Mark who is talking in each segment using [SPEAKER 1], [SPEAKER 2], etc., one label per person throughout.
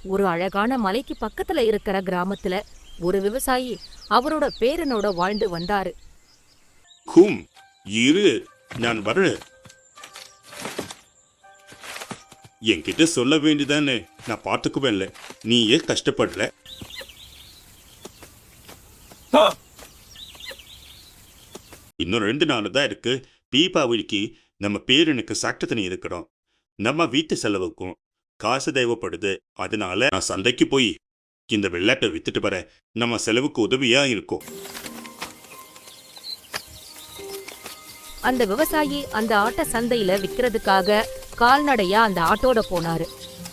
[SPEAKER 1] ஒரு அழகான மலைக்கு பக்கத்துல இருக்கிற கிராமத்துல ஒரு விவசாயி அவரோட பேரனோட வாழ்ந்து வந்தாரு.
[SPEAKER 2] கும் இரு, நான் வர்றேன். என்கிட்ட சொல்ல வேண்டியதானே, நான் பார்த்துக்குவேன்ல. நீ ஏன் கஷ்டப்படல? இன்னும் 2 நாள் தான் இருக்கு. தீபாவளிக்கு நம்ம பேரனுக்கு சாப்பிட்டு தண்ணி இருக்கிறோம். நம்ம வீட்டு செலவுக்கும் காசு தேவைப்படுது. அதனால நான் சந்தைக்கு போய் இந்த வெள்ளாட்டை வித்துட்டு வரேன். நம்ம செலவுக்கு உதவியா இருக்கும்.
[SPEAKER 1] அந்த விவசாயி அந்த ஆட்டை சந்தையில விக்கிறதுக்காக கால்நடையா அந்த ஆட்டோட போனாரு.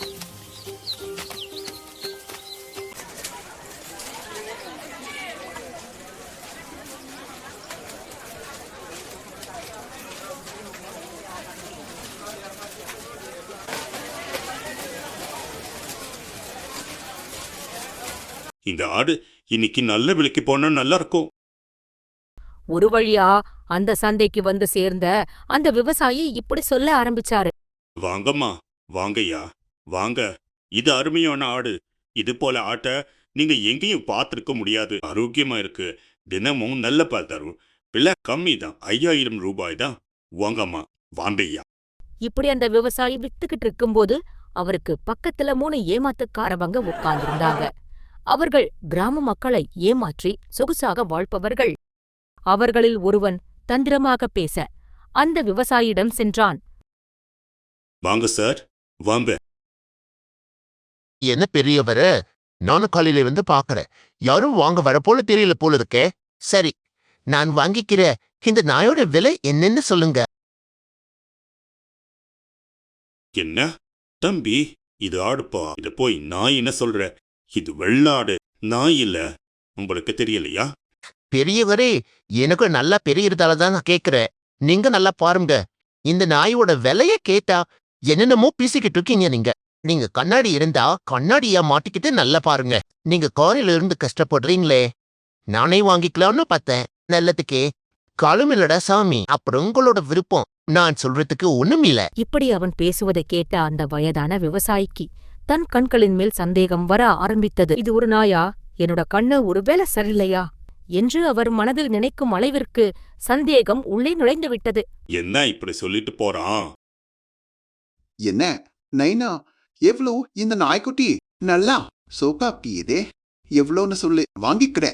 [SPEAKER 2] இந்த ஆடு இன்னைக்கு நல்ல விலைக்கு போனா நல்லா இருக்கும்.
[SPEAKER 1] ஒரு வழியா அந்த சந்தைக்கு வந்து சேர்ந்த அந்த விவசாயி இப்படி சொல்ல ஆரம்பிச்சாரு.
[SPEAKER 2] வாங்கம்மா, வாங்கய்யா, வாங்க. இது அருமையான ஆடு. இது போல ஆட்டை நீங்க எங்கேயும் பார்த்திருக்க முடியாது. ஆரோக்கியமா இருக்கு. தினமும் நல்ல பால் தரும். விலை கம்மி தான், 5000 ரூபாய் தான். வாங்கம்மா, வாங்கய்யா.
[SPEAKER 1] இப்படி அந்த விவசாயி வித்துக்கிட்டு இருக்கும்போது அவருக்கு பக்கத்துல 3 ஏமாத்துக்காரவங்க உட்கார்ந்திருந்தாங்க. அவர்கள் கிராம மக்களை ஏமாற்றி சொகுசாக வாழ்பவர்கள். அவர்களில் ஒருவன் தந்திரமாக பேச அந்த விவசாயியிடம் சென்றான்.
[SPEAKER 2] வாங்க சார், வாங்க.
[SPEAKER 3] என்ன பெரியவர, நானும் காலையில வந்து பாக்குறேன். யாரும் வாங்க வர போல தெரியல போல இருக்கே. சரி, நான் வாங்கிக்கிற இந்த நாயோட விலை என்னன்னு சொல்லுங்க.
[SPEAKER 2] என்ன தம்பி, இது ஆடுப்பா. இத போய் நாய் என்ன சொல்ற? இது வெள்ளாடு, நாய் இல்ல. உங்களுக்கு தெரியலையா?
[SPEAKER 3] பெரியவரே, எனக்கு நல்லா பெரியதால தான் நான் கேக்குறேன். நீங்க நல்லா பாருங்க. இந்த நாயோட விலைய கேட்டா என்னென்னமோ பேசிக்கிட்டு இருக்கீங்க. நீங்க கண்ணாடி இருந்தா கண்ணாடியா மாட்டிக்கிட்டு நல்லா பாருங்க. நீங்க காரில இருந்து கஷ்டப்படுறீங்களே, நானே வாங்கிக்கலாம்னு பார்த்தேன். நல்லதுக்கே காலமில்லடா சாமி. அப்புறம் உங்களோட விருப்பம். நான் சொல்றதுக்கு ஒண்ணுமில்ல.
[SPEAKER 1] இப்படி அவன் பேசுவதை கேட்ட அந்த வயதான விவசாயிக்கு தன் கண்களின் மேல் சந்தேகம் வர ஆரம்பித்தது. இது ஒரு நாயா? என்னோட கண்ணு ஒருவேளை சரியில்லையா என்று அவர் மனதில் நினைக்கும் அளவிற்கு சந்தேகம் உள்ளே நுழைந்து விட்டது.
[SPEAKER 2] என்ன இப்படி சொல்லிட்டு போறான்?
[SPEAKER 4] என்ன நைனா, எவ்வளோ இந்த நாய்க்குட்டி? நல்லா சோகாப்பியதே. எவ்வளோன்னு சொல்லு, வாங்கிக்கிறேன்.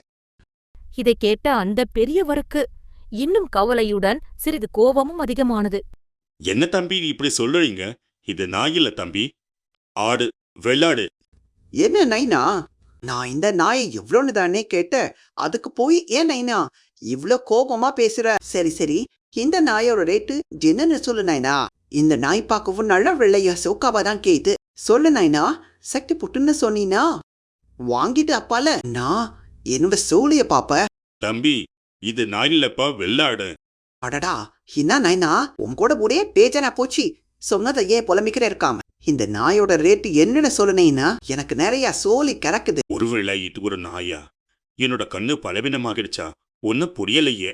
[SPEAKER 1] இதை கேட்ட அந்த பெரியவருக்கு இன்னும் கவலையுடன் சிறிது கோபமும் அதிகமானது.
[SPEAKER 2] என்ன தம்பி இப்படி சொல்றீங்க? இது நாய் இல்ல தம்பி, ஆடு, வெள்ளாடு.
[SPEAKER 5] என்ன நைனா, நான் இந்த நாயை எவ்வளோன்னு தானே கேட்டேன். அதுக்கு போய் ஏன் நைனா இவ்ளோ கோபமா பேசுற? சரி சரி, இந்த நாயோட ரேட்டு என்னன்னு சொல்லு நைனா. இந்த நாய் பார்க்கவும் நல்ல வெள்ளையா சோக்காவா தான் கேது. சொல்லு நைனா, சக்தி புட்டுன்னு சொன்னீனா வாங்கிட்டு அப்பால நான் என்னோட சோழிய பாப்ப.
[SPEAKER 2] தம்பி, இது நாய் இல்லப்பா, வெள்ளாடு.
[SPEAKER 5] அடடா, என்ன நைனா உன் கூட ஒரே பேஜனா போச்சு. சொன்னதை ஏன் புலம்பிக்கிற இருக்காம இந்த நாயோட ரேட்டு என்னன்னு சொல்லுனேன்னா எனக்கு நிறைய சோழி கிடக்குது.
[SPEAKER 2] ஒருவேளை இது ஒரு நாயா? என்னோட கண்ணு பலவீனமாகிடுச்சா? ஒன்னும் புரியலையே.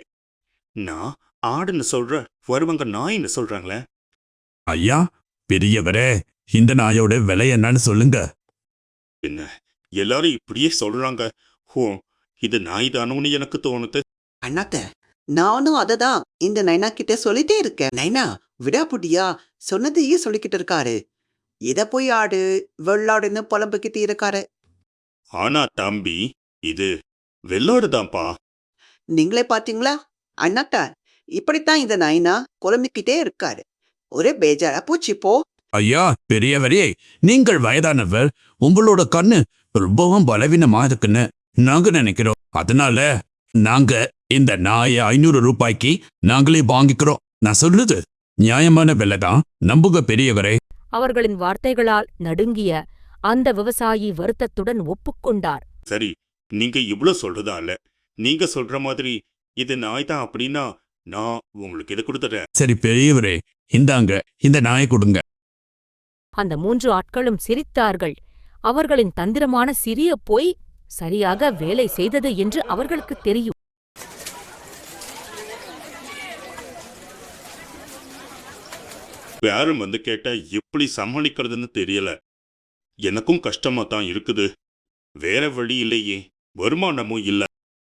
[SPEAKER 2] நான் ஆடுன்னு சொல்ற, வருவாங்க நாயின்னு சொல்றாங்களே.
[SPEAKER 6] ஐயா பெரியவரே, இந்த நாயோட விலை என்னன்னு சொல்லுங்க.
[SPEAKER 2] என்ன எல்லாரும் இப்படியே சொல்றாங்க? ஹோ, இது நாய் தானோன்னு எனக்கு தோணுது.
[SPEAKER 5] அண்ணாத்த, நானும் அததான் இந்த நைனா கிட்ட சொல்லிட்டே இருக்கேன். நைனா விடாப்புடியா சொன்னதையே சொல்லிக்கிட்டு இருக்காரு. இத போய் ஆடு வெள்ளாடுன்னு புலம்புக்கிட்டு இருக்காரு.
[SPEAKER 2] ஆனா தம்பி, இது வெள்ளாடுதான்ப்பா.
[SPEAKER 5] நீங்களே பாத்தீங்களா அண்ணாத்தா, இப்படித்தான் இந்த நைனா குழம்பிக்கிட்டே இருக்காரு. ஒரே பேஜாரா பூச்சி போ.
[SPEAKER 6] ஐயா பெரியவரே, நீங்கள் வயதானவர். உங்களோட கண்ணு ரொம்பவும் பலவீனமா இருக்குன்னு நாங்க நினைக்கிறோம். அதனால நாங்க இந்த நாயை 500 ரூபாய்க்கு நாங்களே வாங்கிக்கிறோம். நான் சொல்லுது நியாயமான விலைதான், நம்புக பெரியவரே.
[SPEAKER 1] அவர்களின் வார்த்தைகளால் நடுங்கிய அந்த விவசாயி வருத்தத்துடன் ஒப்புக்கொண்டார்.
[SPEAKER 2] சரி, நீங்க இவ்வளவு சொல்றதால நீங்க சொல்ற மாதிரி இது நாய் தான் அப்படின்னா நான் உங்களுக்கு இதை கொடுத்துறேன்.
[SPEAKER 6] சரி பெரியவரே, இந்தாங்க இந்த நாயை கொடுங்க.
[SPEAKER 1] அந்த 3 ஆட்களும் சிரித்தார்கள். அவர்களின் தந்திரமான சிறிய பொய் சரியாக வேலை செய்தது என்று அவர்களுக்கு தெரியும்.
[SPEAKER 2] யாரும் வந்து கேட்டா எப்படி சமாளிக்கிறதுன்னு தெரியல. எனக்கும் கஷ்டமா தான் இருக்குது. வேற வழி இல்லையே, வருமானமும் இல்ல.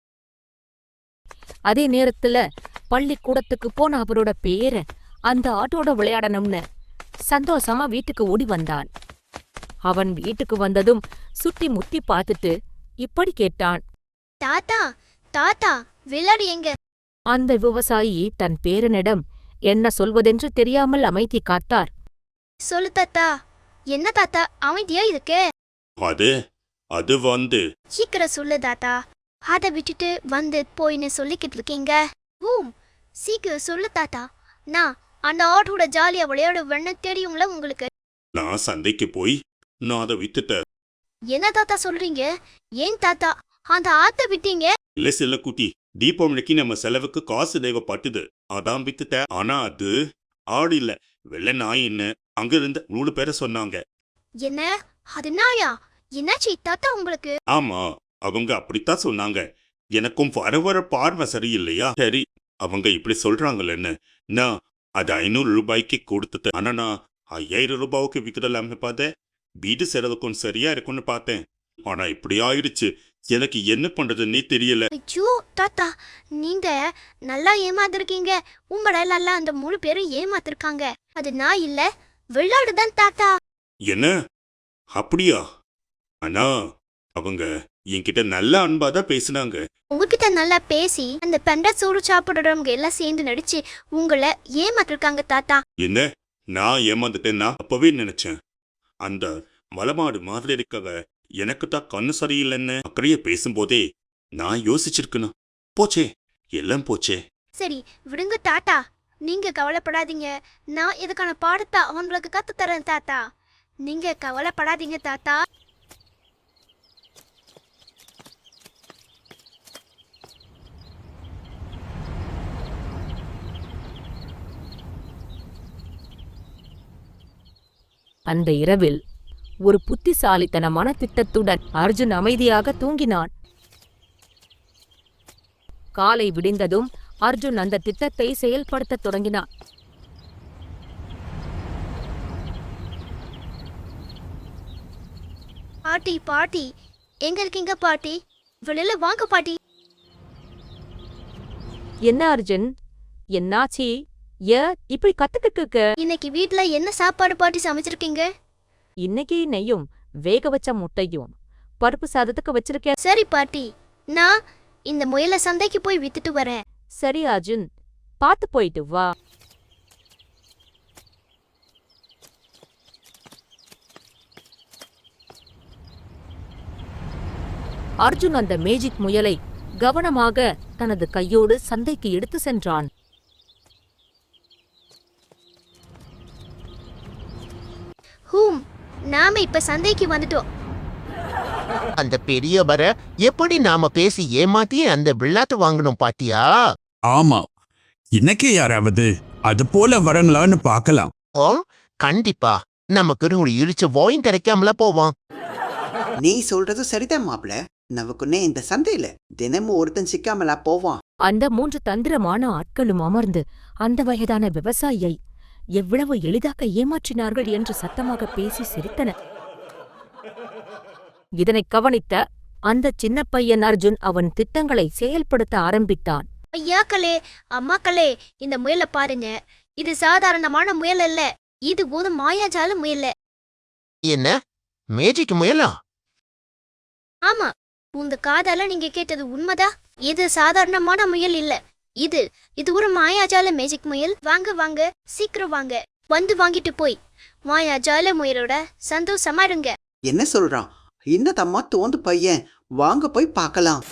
[SPEAKER 1] அதே நேரத்துல பள்ளிக்கூடத்துக்கு போன அவரோட பேரன் அந்த ஆட்டோட விளையாடணும்னு சந்தோஷமா வீட்டுக்கு ஓடி வந்தான். அவன் வீட்டுக்கு வந்ததும் சுத்தி முத்தி பார்த்துட்டு இப்படி கேட்டான்.
[SPEAKER 7] தாத்தா தாத்தா விளையாடு எங்க?
[SPEAKER 1] அந்த விவசாயி தன் பேரனிடம் என்ன சொல்வதென்று தெரியாமல் அமைதி காத்தார்.
[SPEAKER 7] சொல்லு தாத்தா. என்ன தாத்தா அமைதியா இருக்க?
[SPEAKER 2] அது அது வந்து
[SPEAKER 7] சீக்கிரம் சொல்லு தாத்தா. அதை விட்டுட்டு வந்து போயின்னு சொல்லிக்கிட்டு இருக்கீங்க. சீக்கிரம் சொல்லு தாத்தா. நான் அந்த ஆட்டோட ஜாலியா விளையாடுவேன்னு தெரியுங்களா உங்களுக்கு?
[SPEAKER 2] நான் சந்தைக்கு போய் நான் அதை வித்துட்டேன்.
[SPEAKER 7] என்ன தாத்தா சொல்றீங்க? ஏன் தாத்தா அந்த ஆட்டை விட்டீங்க?
[SPEAKER 2] இல்ல செல்லக்குட்டி, தீபாவளிக்கு நம்ம செலவுக்கு காசு தேவைப்பட்டுது, அதான் வித்துட்டேன். ஆனா அது ஆடு இல்ல, வெள்ளை நாயின்னு அங்க இருந்த 3 பேரை சொன்னாங்க.
[SPEAKER 7] என்ன அது நாயா? என்னாச்சு தாத்தா உங்களுக்கு?
[SPEAKER 2] ஆமா, அவங்க அப்படித்தான் சொன்னாங்க. எனக்கும் வர பார்வை சரியில்லையா? சரி, அவங்க இப்படி சொல்றாங்களேன்னு நான் அது 500 ரூபாய்க்கு கொடுத்துட்டேன். ஆனா நான் 5000 ரூபாய்க்கு விற்கலாம்னு பார்த்தேன். வீடு செலவுக்கும் சரியா இருக்கும்னு பார்த்தேன். ஆனா இப்படி ஆயிடுச்சு. எனக்கு என்ன பண்றதுன்னே தெரியல.
[SPEAKER 7] ஐயோ தாத்தா, நீங்க நல்லா ஏமாத்திருக்கீங்க. உங்களை நல்லா அந்த 3 பேரும் ஏமாத்திருக்காங்க. அது நான் இல்ல, விளையாடுதான் தாத்தா.
[SPEAKER 2] என்ன? அப்படியா? ஆனா அவங்க என்கிட்ட நல்ல அன்பாதான் பேசினாங்க.
[SPEAKER 7] உங்ககிட்ட நல்லா பேசி அந்த பெண்ட சோறு சாப்பிடுறவங்க எல்லாம் சேர்ந்து நடிச்சு உங்களை ஏமாத்திருக்காங்க தாத்தா.
[SPEAKER 2] என்ன? நான் ஏமாந்துட்டேன்னா அப்பவே நினைச்சேன். அந்த மலமாடு மாதிரி இருக்கவ எனக்கு தான் கண்ணு சரியில்லைன்னு அக்கறைய பேசும்போதே நான் யோசிச்சிருக்கணும். போச்சே, எல்லாம் போச்சே.
[SPEAKER 7] சரி விடுங்க தாத்தா, நீங்க கவலைப்படாதீங்க. நான் இதுக்கான பாடத்தை அவங்களுக்கு கத்து தரேன் தாத்தா. நீங்க கவலைப்படாதீங்க தாத்தா.
[SPEAKER 1] அந்த இரவில் ஒரு புத்திசாலித்தனமான திட்டத்துடன் அர்ஜுன் அமைதியாக தூங்கினான். காலை விடிந்ததும் அர்ஜுன் அந்த திட்டத்தை செயல்படுத்தத் தொடங்கினான்.
[SPEAKER 7] பாட்டி பாட்டி எங்க இருக்கீங்க பாட்டி? வெளியில வாங்க பாட்டி.
[SPEAKER 1] என்ன அர்ஜுன், என்னாச்சி? இப்படி கத்துக்கிட்டு இருக்க?
[SPEAKER 7] இன்னைக்கு வீட்ல என்ன சாப்பாடு பாட்டி சமைச்சிருக்கீங்க?
[SPEAKER 1] இன்னைக்கு நெய்யும் வேக வச்ச முட்டையும் பருப்பு சாதத்துக்கு வச்சிருக்கேன்.
[SPEAKER 7] சரி பாட்டி, நான் இந்த முயலை சந்தைக்கு போய் வித்துட்டு வரேன்.
[SPEAKER 1] சரி அர்ஜுன், பார்த்து போயிட்டு வா. அர்ஜுன் அந்த மேஜிக் முயலை கவனமாக தனது கையோடு சந்தைக்கு எடுத்து சென்றான்.
[SPEAKER 7] நாம இப்ப சந்தைக்கு வந்துட்டோம்.
[SPEAKER 3] அந்த பெரியவரை எப்படி நாம பேசி ஏமாத்தி அந்த விளையாட்டு வாங்கணும் பாத்தியா?
[SPEAKER 6] ஆமா, இன்னைக்கு யாராவது அது போல வரங்களான்னு பார்க்கலாம்.
[SPEAKER 3] ஓ கண்டிப்பா, நமக்கு ஒரு இழிச்ச வாயும் கிடைக்காமல போவான்.
[SPEAKER 5] நீ சொல்றது சரிதான் மாப்பிள. நமக்குன்னே இந்த சந்தையில தினமும் ஒருத்தன் சிக்காமலா போவான்.
[SPEAKER 1] அந்த 3 தந்திரமான ஆட்களும் அமர்ந்து அந்த வயதான விவசாயியை எவ்வளவு எளிதாக ஏமாற்றினார்கள் என்று சத்தமாக பேசி சிரித்தனர். இதனை கவனித்த அந்த சின்ன பையன் அர்ஜுன் அவன் திட்டங்களை செயல்படுத்த ஆரம்பித்தான்.
[SPEAKER 7] ஐயாக்களே, அம்மாக்களே, இந்த முயலை பாருங்க. இது சாதாரணமான முயல் அல்ல, இது ஒரு மாயாஜால முயல்.
[SPEAKER 3] என்ன மேஜிக் முயலா?
[SPEAKER 7] ஆமா, உங்க காதால நீங்க கேட்டது உண்மைதா? இது சாதாரணமான முயல் இல்ல, இது ஒரு மாயாஜால மேஜிக் முயல். வாங்க வாங்க, சீக்கிரம் வாங்க, வந்து வாங்கிட்டு போய் மாயாஜால முயலோட சந்தோஷமா இருங்க.
[SPEAKER 5] என்ன சொல்றான் இந்த தம்மா தோந்து பையன்? வாங்க போய் பார்க்கலாம்.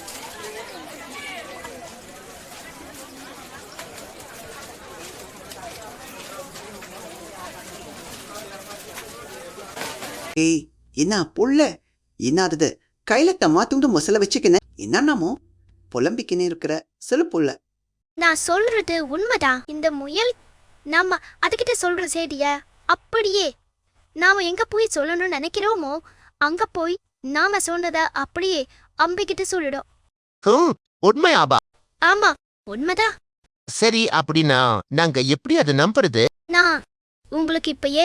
[SPEAKER 5] ஏய், என்ன புள்ள? என்னாதது? கையில தம்மா துண்டு மொசல வச்சுக்கின என்னன்னாமோ புலம்பிக்கினே இருக்கிற சில புள்ள.
[SPEAKER 7] நான் சொல்றது உண்மைதான். இந்த முயல் நாம அதுகிட்ட சொல்ற செய்திய அப்படியே நாம எங்க போய் சொல்லணும்னு நினைக்கிறோமோ அங்க போய் நாம சொன்னத அப்படியே அம்பிக்கிட்ட சொல்லிடும்.
[SPEAKER 3] உண்மையாபா?
[SPEAKER 7] ஆமா, உண்மைதான்.
[SPEAKER 3] சரி, அப்படின்னா நாங்க எப்படி அதை நம்புறது?
[SPEAKER 7] நான் உங்களுக்கு இப்பயே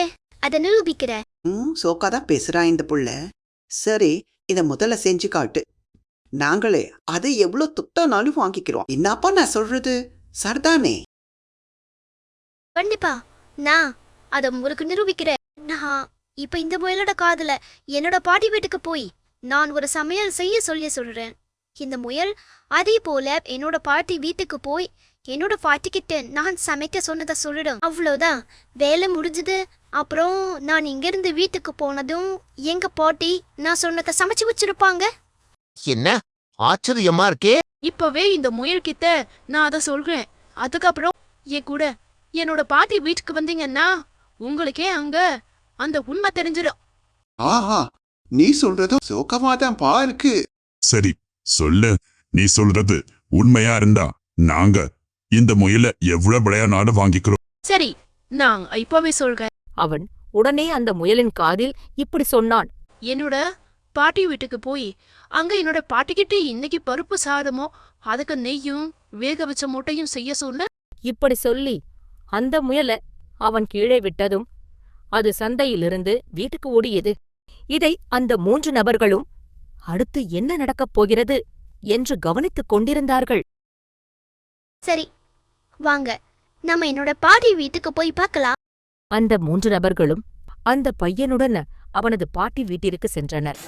[SPEAKER 7] அதை நிரூபிக்கிற.
[SPEAKER 5] சோக்கா தான் பேசுறா இந்த புள்ள. சரி, இத முதல்ல செஞ்சு காட்டு. நாங்களே அதை எவ்வளவு துட்டானாலும் வாங்கிக்கிறோம். என்னப்பா நான் சொல்றது சரிதானே?
[SPEAKER 7] கண்டிப்பா நான் அதை உங்களுக்கு நிரூபிக்கிறேன். நான் இப்ப இந்த முயலோட காதுல என்னோட பாட்டி வீட்டுக்கு போய் நான் ஒரு சமையல் செய்ய சொல்றேன். இந்த முயல் அதே போல என்னோட பாட்டி வீட்டுக்கு போய் என்னோட பாட்டிக்கிட்ட நான் சமைக்க சொன்னதை சொல்லிடும். அவ்வளோதான், வேலை முடிஞ்சது. அப்புறம் நான் இங்கிருந்து வீட்டுக்கு போனதும் எங்க பாட்டி நான் சொன்னதை சமைச்சு வச்சிருப்பாங்க.
[SPEAKER 3] என்ன ஆச்சரியமா இருக்கே.
[SPEAKER 8] இப்பவே இந்த முயல் கிட்ட நான் அதை சொல்றேன். அதுக்கப்புறம் என் கூட என்னோட பாட்டி வீட்டுக்கு வந்தீங்கன்னா உங்களுக்கே அங்க அந்த உண்மை தெரிஞ்சிடும்.
[SPEAKER 4] ஆஹா, நீ சொல்றதும் சோகமாதான் பா இருக்கு.
[SPEAKER 9] சரி சொல்லு, நீ சொல்றது உண்மையா இருந்தா நாங்க இந்த முயலை எவ்வளவு விளையாடாலும் வாங்கிக்கிறோம்.
[SPEAKER 8] சரி, நான் இப்பவே சொல்றேன்.
[SPEAKER 1] அவன் உடனே அந்த முயலின் காதில் இப்படி சொன்னான்.
[SPEAKER 8] என்னோட பாட்டி வீட்டுக்கு போய் அங்க என்னோட பாட்டிக்கிட்ட இன்னைக்கு பருப்பு சாதமோ அதுக்கு நெய்யும் வேக வச்ச முட்டையும் செய்ய சொன்ன.
[SPEAKER 1] இப்படி சொல்லி அந்த முயலை அவன் கீழே விட்டதும் அது சந்தையிலிருந்து வீட்டுக்கு ஓடியது. இதை அந்த 3 நபர்களும் அடுத்து என்ன நடக்கப் போகிறது என்று கவனித்துக் கொண்டிருந்தார்கள்.
[SPEAKER 7] சரி வாங்க, நம்ம என்னோட பாட்டி வீட்டுக்கு போய் பார்க்கலாம்.
[SPEAKER 1] அந்த 3 நபர்களும் அந்த பையனுடன் அவனது பாட்டி வீட்டிற்கு சென்றனர்.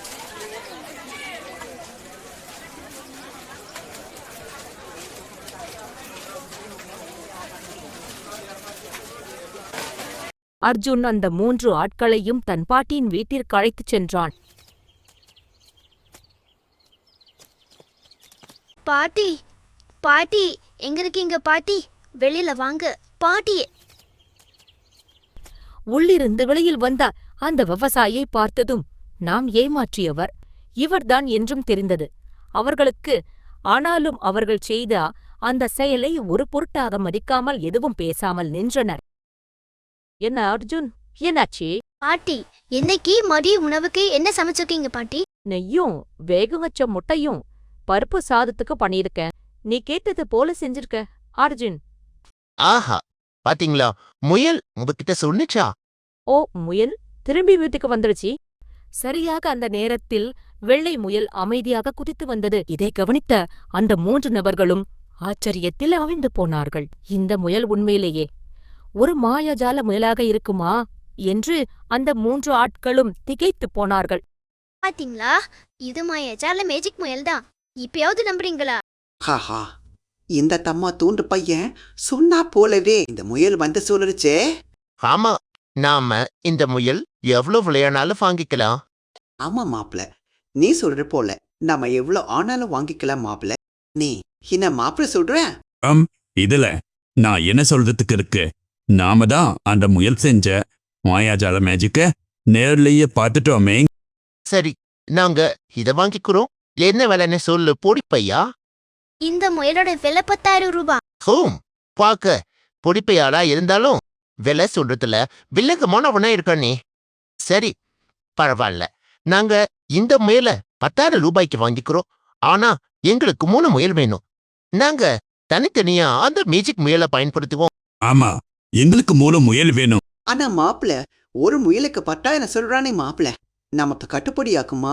[SPEAKER 1] அர்ஜுன் அந்த 3 ஆட்களையும் தன் பாட்டியின் வீட்டிற்கு அழைத்துச் சென்றான்.
[SPEAKER 7] பாட்டி பாட்டி எங்க இருக்கீங்க பாட்டி? வெளியில வாங்க பாட்டி.
[SPEAKER 1] உள்ளிருந்து வெளியில் வந்த அந்த விவசாயியை பார்த்ததும் நாம் ஏமாற்றியவர் இவர்தான் என்றும் தெரிந்தது அவர்களுக்கு. ஆனாலும் அவர்கள் செய்த அந்த செயலை ஒரு பொருட்டாக மதிக்காமல் எதுவும் பேசாமல் நின்றனர். என்ன அர்ஜுன், என்னாச்சு?
[SPEAKER 7] பாட்டி, இன்னைக்கு மதிய உணவுக்கு என்ன சமைச்சிருக்கீங்க பாட்டி?
[SPEAKER 1] நெய்யும் வேக வச்ச முட்டையும் பருப்பு சாதத்துக்கு பண்ணியிருக்கேன். நீ கேட்டது போல செஞ்சிருக்க அர்ஜுன்.
[SPEAKER 3] ஆஹா, பாத்தீங்களா, முயல் உங்ககிட்ட சொன்னிச்சா?
[SPEAKER 1] ஓ, முயல் திரும்பி வீட்டுக்கு வந்துடுச்சு. சரியாக அந்த நேரத்தில் வெள்ளை முயல் அமைதியாக குதித்து வந்தது. இதை கவனித்த அந்த 3 நபர்களும் ஆச்சரியத்தில் அவிழ்ந்து போனார்கள். இந்த முயல் உண்மையிலேயே ஒரு மாயாஜால முயலாக இருக்குமா என்று அந்த 3 ஆட்களும் திகைத்துப் போனார்கள்.
[SPEAKER 7] பாத்தீங்களா, இது மாயாஜால மேஜிக் முயல் தான். இப்பயாவது நம்புறீங்களா?
[SPEAKER 5] ஹாஹா, இந்த தம்மா தூண்டு பையன் சொன்னா போலவே இந்த முயல் வந்து சொல்லுச்சே.
[SPEAKER 3] ஆமா, நாம இந்த முயல் எவ்வளவு விளையாடாலும் வாங்கிக்கலாம்.
[SPEAKER 5] ஆமா மாப்பிள, நீ சொல்ற போல நம்ம எவ்வளவு ஆனாலும் வாங்கிக்கலாம் மாப்பிள. நீ என்ன மாப்பிள சொல்ற?
[SPEAKER 6] இதுல நான் என்ன சொல்றதுக்கு இருக்கு? நாம தான் அந்த முயல் செஞ்ச மாயாஜால மேஜிக்க நேர்லயே பார்த்துட்டோமே.
[SPEAKER 3] சரி, நாங்க இத வாங்கிக்கிறோம். என்ன விலைன்னு சொல்லு பொடிப்பையா.
[SPEAKER 7] இந்த முயலோட விலை 10,000 ரூபாய்.
[SPEAKER 3] ஹோம், பாக்க பொடிப்பையாடா இருந்தாலும் விலை சொல்றதுல வில்லங்கமானவனா இருக்க நீ. சரி, பரவாயில்ல, நாங்க இந்த முயலை 10,000 ரூபாய்க்கு வாங்கிக்கிறோம். ஆனா எங்களுக்கு 3 முயல் வேணும். நாங்க தனித்தனியா அந்த மேஜிக் முயலை பயன்படுத்துவோம்.
[SPEAKER 6] ஆமா, எங்களுக்கு 3 முயல் வேணும்.
[SPEAKER 5] ஆனா மாப்பிள, ஒரு முயலுக்கு 10,000 சொல்றானே மாப்பிள, நமக்கு கட்டுப்படியாக்குமா?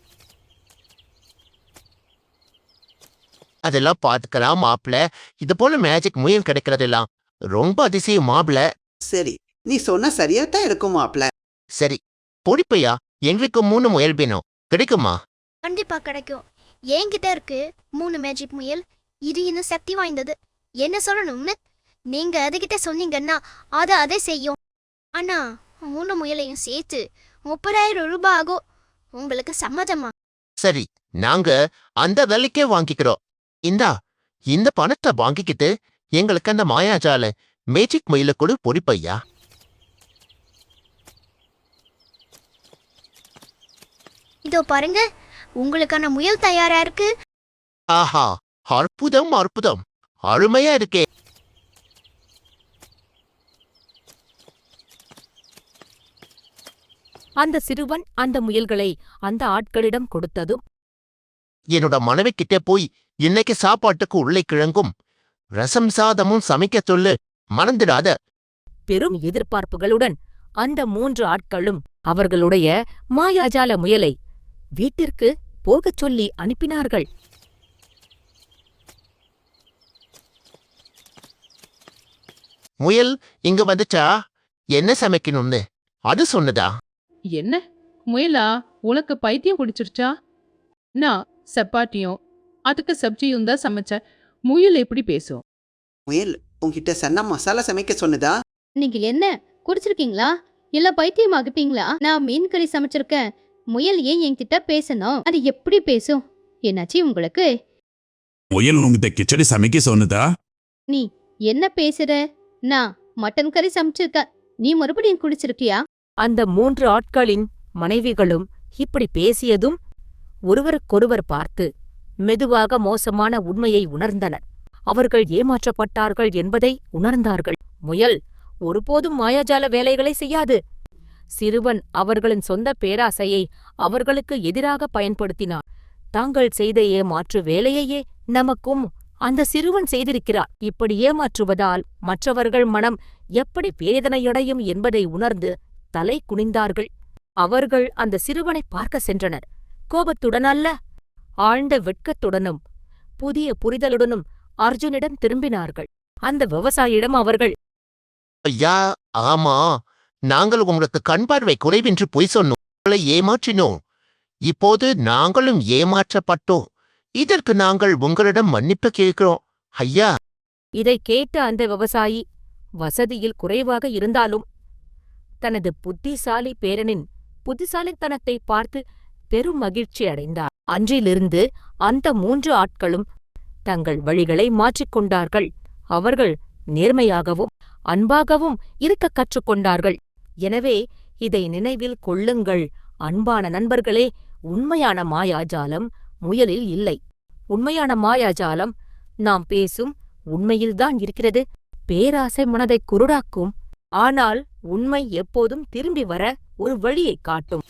[SPEAKER 3] அதெல்லாம் பாத்துக்கலாம் மாப்பிள. இது போல மேஜிக் முயல் கிடைக்கிறதெல்லாம் ரொம்ப அதிசயம் மாப்பிள.
[SPEAKER 5] சரி, நீ சொன்னா சரியா தான் இருக்கும் மாப்பிள.
[SPEAKER 3] சரி, பொடிப்பையா, எங்களுக்கு 3 முயல் வேணும். கிடைக்குமா?
[SPEAKER 7] கண்டிப்பா கிடைக்கும். என்கிட்ட இருக்கு 3 மேஜிக் முயல். இது இன்னும் சக்தி வாய்ந்தது. என்ன சொல்லணும்னு நீங்க அதுகிட்ட சொன்னீங்கன்னா அதை செய்யும். ஆனா 3 முயலையும் சேர்த்து 30,000 ரூபாய் ஆகும். உங்களுக்கு சம்மதமா?
[SPEAKER 3] சரி, நாங்க அந்த விலைக்கே வாங்கிக்கிறோம். இந்த பணத்தை வாங்கிக்கிட்டு எங்களுக்கு அந்த மாயாஜால மேஜிக் முயல கொடு பொடிப்பையா.
[SPEAKER 7] இதோ பாருங்க, உங்களுக்கான முயல் தயாரா இருக்கு.
[SPEAKER 3] ஆஹா, அற்புதம் அற்புதம், அருமையா இருக்கே.
[SPEAKER 1] அந்த சிறுவன் அந்த முயல்களை அந்த ஆட்களிடம் கொடுத்ததும்,
[SPEAKER 3] என்னோட மனைவி கிட்ட போய் இன்னைக்கு சாப்பாட்டுக்கு உருளைக்கிழங்கும் ரசம் சாதமும் சமைக்க சொல்லு, மறந்துடாத.
[SPEAKER 1] பெரும் எதிர்பார்ப்புகளுடன் அந்த 3 ஆட்களும் அவர்களுடைய மாயாஜால முயலை வீட்டிற்கு போகச் சொல்லி அனுப்பினார்கள்.
[SPEAKER 3] முயல் இங்க வந்துச்சா? என்ன சமைக்கணும்னு அது சொன்னதா?
[SPEAKER 10] என்ன முயலா, உனக்கு பைத்தியம் பிடிச்சிருச்சா? நான் சப்பாத்தியும் அதுக்கு சப்ஜியும் தான் சமைச்சேன். முயல் எப்படி பேசும்?
[SPEAKER 5] முயல் உன்கிட்ட சன்னா மசாலா சமைக்க சொன்னதா?
[SPEAKER 11] நீங்க என்ன குடிச்சிருக்கீங்களா? இல்ல பைத்தியம் ஆகிப்பீங்களா? நான் மீன் கறி சமைச்சிருக்கேன். முயல் ஏன் என்கிட்ட பேசணும்? அது எப்படி பேசும்? என்னாச்சு உங்களுக்கு?
[SPEAKER 6] முயல் உங்ககிட்ட கிச்சடி சமைக்க சொன்னதா?
[SPEAKER 11] நீ என்ன பேசுற? நான் மட்டன் கறி சமைச்சிருக்கேன். நீ மறுபடியும் குடிச்சிருக்கியா?
[SPEAKER 1] அந்த 3 ஆட்களின் மனைவிகளும் இப்படி பேசியதும் ஒருவருக்கொருவர் பார்த்து மெதுவாக மோசமான உண்மையை உணர்ந்தனர். அவர்கள் ஏமாற்றப்பட்டார்கள் என்பதை உணர்ந்தார்கள். முயல் ஒருபோதும் மாயாஜால வேலைகளை செய்யாது. சிறுவன் அவர்களின் சொந்த பேராசையை அவர்களுக்கு எதிராக பயன்படுத்தினான். தாங்கள் செய்த ஏமாற்று வேலையையே நமக்கும் அந்த சிறுவன் செய்திருக்கிறார். இப்படி ஏமாற்றுவதால் மற்றவர்கள் மனம் எப்படி வேதனையடையும் என்பதை உணர்ந்து தலை குனிந்தார்கள். அவர்கள் அந்த சிறுவனை பார்க்க சென்றனர். கோபத்துடன் அல்ல, ஆழ்ந்த வெட்கத்துடனும் புதிய புரிதலுடனும் அர்ஜுனிடம் திரும்பினார்கள். அந்த விவசாயியிடம் அவர்கள்,
[SPEAKER 3] ஐயா, ஆமா, நாங்கள் உங்களுக்கு கண் பார்வை குறைவென்று பொய் சொன்னோம். உங்களை ஏமாற்றினோம். இப்போது நாங்களும் ஏமாற்றப்பட்டோம். இதற்கு நாங்கள் உங்களிடம் மன்னிப்பு கேட்கிறோம் ஐயா.
[SPEAKER 1] இதை கேட்ட அந்த விவசாயி வசதியில் குறைவாக இருந்தாலும் தனது புத்திசாலி பேரனின் புத்திசாலித்தனத்தை பார்த்து பெரும் மகிழ்ச்சி அடைந்தார். அன்றிலிருந்து அந்த 3 ஆட்களும் தங்கள் வழிகளை மாற்றிக்கொண்டார்கள். அவர்கள் நேர்மையாகவும் அன்பாகவும் இருக்க கற்றுக்கொண்டார்கள். எனவே இதை நினைவில் கொள்ளுங்கள் அன்பான நண்பர்களே. உண்மையான மாயாஜாலம் முயலில் இல்லை. உண்மையான மாயாஜாலம் நாம் பேசும் உண்மையில்தான் இருக்கிறது. பேராசை மனதை குருடாக்கும். ஆனால் உண்மை எப்போதும் திரும்பி வர ஒரு வழியைக் காட்டும்.